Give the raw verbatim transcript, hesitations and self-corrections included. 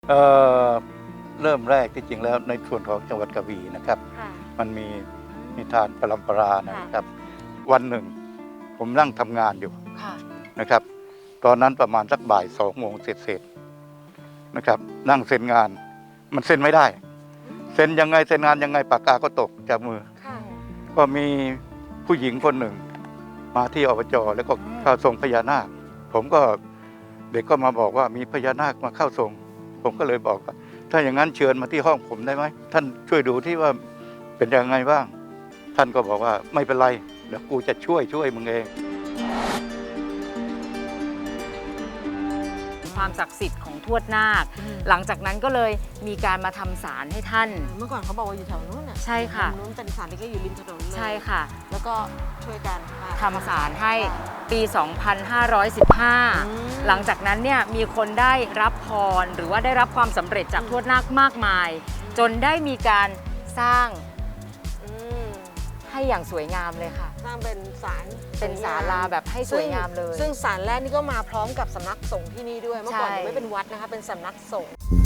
เอ่อเริ่มแรกที่จริงแล้วในส่วนของจังหวัดกระบี่นะครับค่ะมันมีนิทานปรัมปรานะค่ะครับ วันหนึ่งผมนั่งทำงานอยู่ค่ะนะครับ ตอนนั้นประมาณสักบ่ายสองโมงเสร็จๆนะครับ นั่งเซ็นงานมันเซ็นไม่ได้ เซ็นยังไงเซ็นงานยังไงปากกาก็ตกจากมือค่ะก็มีผู้หญิงคนหนึ่งมาที่อบจแล้วก็อืมเข้าทรงพญานาค ผมก็เด็กก็มาบอกว่ามีพญานาคมาเข้าทรง ผมก็เลยบอกว่าถ้าอย่างนั้นเชิญมาที่ห้องผมได้ไหมท่านช่วยดูที่ว่าเป็นยังไงบ้าง ท่านก็บอกว่าไม่เป็นไรเดี๋ยวกูจะช่วยช่วยมึงเองความศักดิ์สิทธิ์ของทวดนาค หลังจากนั้นก็เลยมีการมาทำศาลให้ท่านเมื่อก่อนเขาบอกว่าอยู่แถวนู้นน่ะใช่ค่ะตรงนู้นเป็นศาลที่ก็อยู่ริมถนนเลยใช่ค่ะแล้วก็ช่วยกันมาทำศาลให้ปี สองพันห้าร้อยสิบห้าอืมหลังจากนั้นเนี่ยมีคนได้รับพรหรือว่าได้รับความสำเร็จจากทวดนาคมากมาย จนได้มีการสร้างอืมให้อย่างสวยงามเลยค่ะสร้างเป็นศาลเป็นศาลาแบบให้สวยงามเลยซึ่งศาลแรกนี่ก็มาพร้อมกับสำนักสงฆ์ที่นี่ด้วย เมื่อก่อนใช่ยังไม่เป็นวัดนะคะ เป็นสำนักสงฆ์